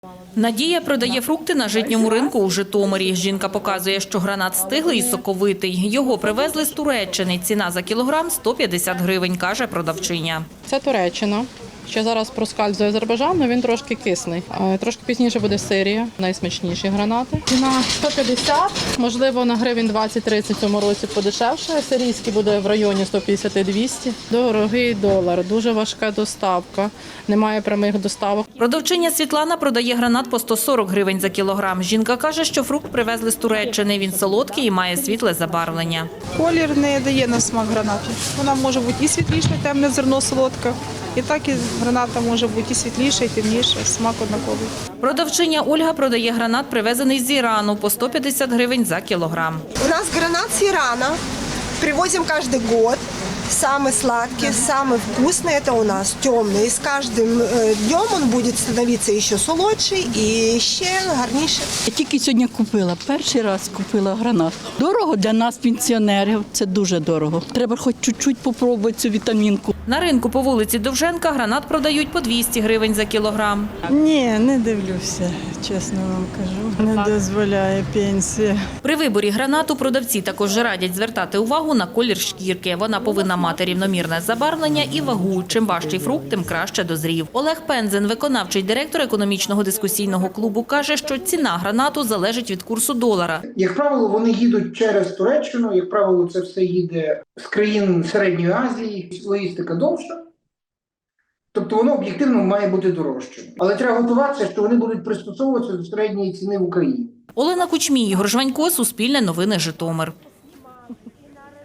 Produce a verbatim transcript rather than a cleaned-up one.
Надія продає фрукти на житньому ринку у Житомирі. Жінка показує, що гранат стиглий і соковитий. Його привезли з Туреччини. Ціна за кілограм – сто п'ятдесят гривень, каже продавчиня. Це Туреччина. Ще зараз проскальзує Азербайджан, але він трошки кисний. Трошки пізніше буде Сирія, найсмачніші гранати. Ціна сто п'ятдесят, можливо, на гривень двадцять-тридцять в цьому році подешевше. Сирійський буде в районі сто п'ятдесят - двісті. Дорогий долар, дуже важка доставка, немає прямих доставок. Продавчиня Світлана продає гранат по сто сорок гривень за кілограм. Жінка каже, що фрукт привезли з Туреччини. Він солодкий і має світле забарвлення. Колір не дає на смак гранату. Вона може бути і світліша, темне зерно солодке, і так і граната може бути і світліша, і темніша, смак однаковий. Продавчиня Ольга продає гранат, привезений з Ірану, по сто п'ятдесят гривень за кілограм. У нас гранат с Ирана. Привозим каждый год. Самый сладкий, самый вкусный это у нас темный. И с каждым днем он будет становиться еще солодший и ще гарніший. Я тільки сьогодні купила, перший раз купила гранат. Дорого для нас, пенсіонерів, це дуже дорого. Треба хоч чуть-чуть попробувати цю вітамінку. На ринку по вулиці Довженка гранат продають по двісті гривень за кілограм. Ні, не дивлюся, чесно вам кажу. Не дозволяє пенсія. При виборі гранату продавці також радять звертати увагу на колір шкірки. Вона повинна мати рівномірне забарвлення і вагу. Чим важчий фрукт, тим краще дозрів. Олег Пензен, виконавчий директор економічного дискусійного клубу, каже, що ціна гранату залежить від курсу долара. Як правило, вони їдуть через Туреччину, як правило, це все їде з країн Середньої Азії, логістика довша. Тобто воно об'єктивно має бути дорожчим. Але треба готуватися, що вони будуть пристосовуватися до середньої ціни в Україні. Олена Кучмій, Ігор Жванько, Суспільне новини, Житомир.